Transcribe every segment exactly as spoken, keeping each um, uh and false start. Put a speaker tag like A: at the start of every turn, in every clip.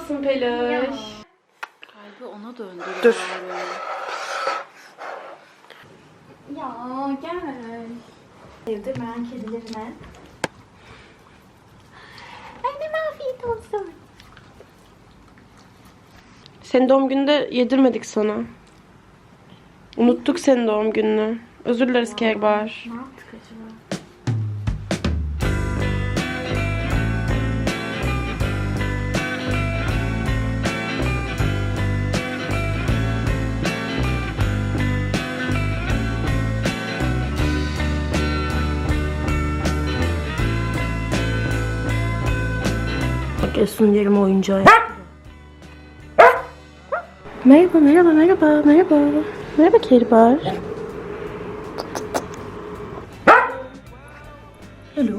A: olsun Peluş.
B: Kalbi ona döndü.
A: Dur.
B: Ya gel. Sevdim ben kedilerine. Annem afiyet olsun.
A: Senin doğum gününde yedirmedik sana. Unuttuk senin doğum gününü. Özür dileriz Kehribar.
B: Ne yaptık acaba?
A: Bak Esun yerim oyuncağı. Merhaba, merhaba, merhaba, merhaba. Merhaba Kehribar. Hello.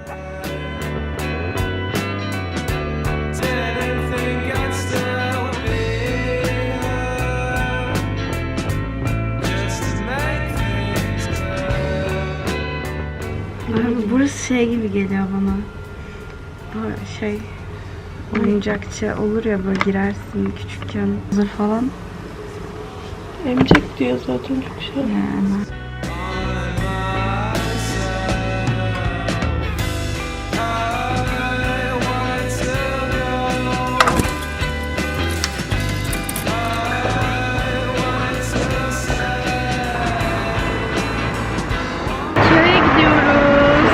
B: Abi burası şey gibi geliyor bana. Bu şey oyuncakçı olur ya, böyle girersin küçükken hazır falan.
A: Emcek diyor zaten çok şey.
B: Yani.
A: Köye gidiyoruz.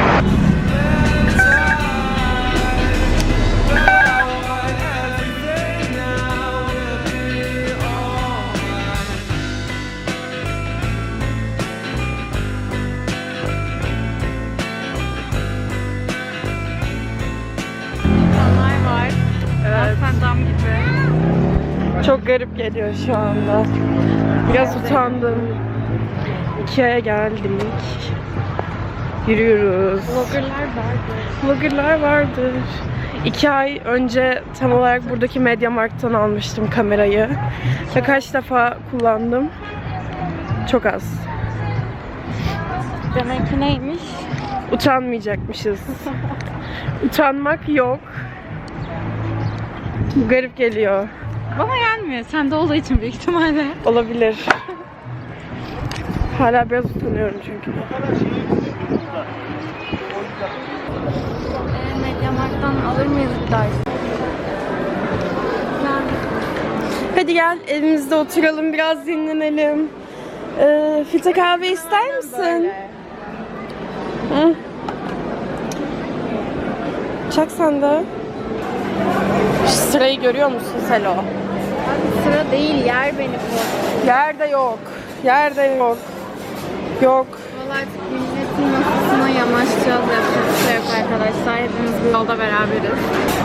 B: İnsanlar var.
A: Evet.
B: Aslen dam gibi.
A: Çok garip geliyor şu anda. Biraz utandım. Ikea'ya geldik. Yürüyoruz.
B: Vloggerlar vardı.
A: Vloggerlar vardır. İki ay önce tam olarak buradaki MediaMarkt'tan almıştım kamerayı. Ve kaç defa kullandım? Çok az.
B: Demek ki neymiş?
A: Utanmayacakmışız. Utanmak yok. Bu garip geliyor.
B: Bana gelmiyor. Sen de olduğu için büyük ihtimalle.
A: Olabilir. Hala biraz utanıyorum çünkü.
B: Ee, MediaMarkt'tan alır mıyız dersin?
A: Hadi gel evimizde oturalım, biraz dinlenelim. Ee, filtre kahve ister misin? Hı. Çak sen de. Şu sırayı görüyor musun Selo?
B: Sıra değil, yer beni bu.
A: Yerde yok. Yerde yok. Yok.
B: Vallahi artık milletin masasına yanaşacağız. Yapacak bir şey yok arkadaşlar. Hepimiz bu yolda beraberiz.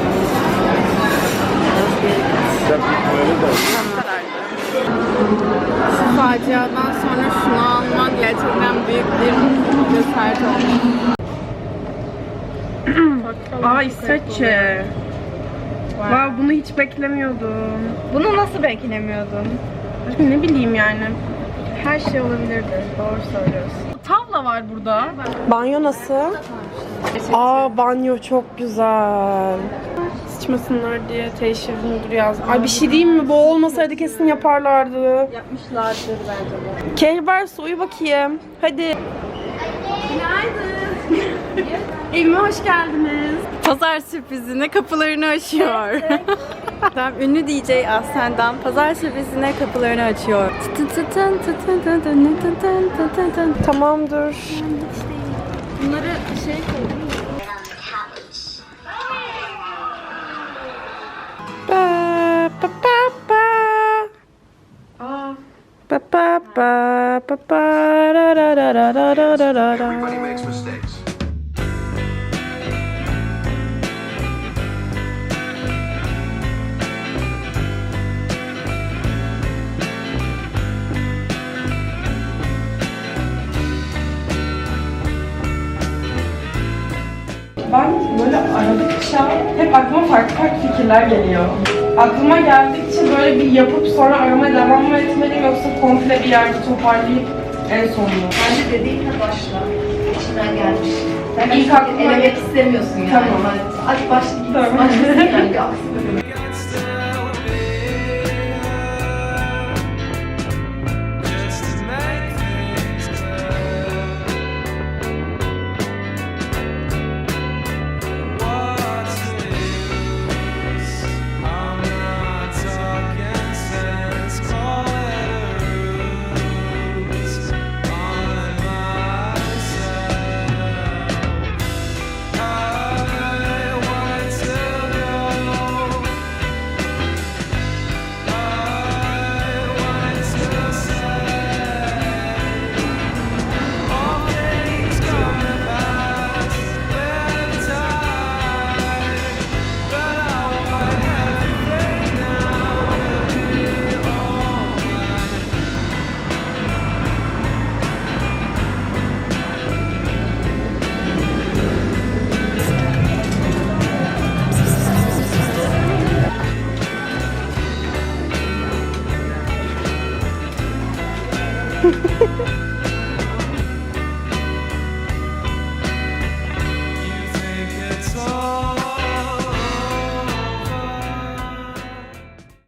B: Şu faciadan sonra şunu almak gerçekten büyük bir cesaret oldu.
A: Aa İsveççe. Wow, bunu hiç beklemiyordum.
B: Bunu nasıl beklemiyordun?
A: Ne bileyim yani.
B: Her şey olabilirdi. Doğru söylüyorsun. Tavla var burada.
A: Banyo nasıl? Aa banyo çok güzel. Sıçmasınlar diye teşhir müdürü yazdım. Ay bir şey diyeyim mi? Bu olmasaydı kesin yaparlardı.
B: Yapmışlardır bence bu.
A: Kehribar uyu bakayım. Hadi.
B: Günaydın.
A: Evime hoş geldiniz.
B: Pazar sürprizine kapılarını açıyor. Tam ünlü D J Aslen'den pazar sürprizine kapılarını açıyor.
A: Tamamdır.
B: Bunları şey koydum.
A: Ba ba ba ba.
B: Aa.
A: Ba ba ba ba ba ra ra ra ra ra ra ra ra.
C: Everybody makes mistakes.
A: Ben böyle aradıkça hep aklıma farklı farklı fikirler geliyor. Aklıma geldikçe böyle bir yapıp sonra aramaya devam mı etmeliyim yoksa komple bir yerde toparlayıp en sonunu.
D: Bence dediğinle başla. İçinden gelmiş. Sen
A: İlk aklıma
D: elemek istemiyorsun yani.
A: Tamam.
D: Hadi başla git.
A: Tamam.
D: Başlasın yani bir aksi bölüm.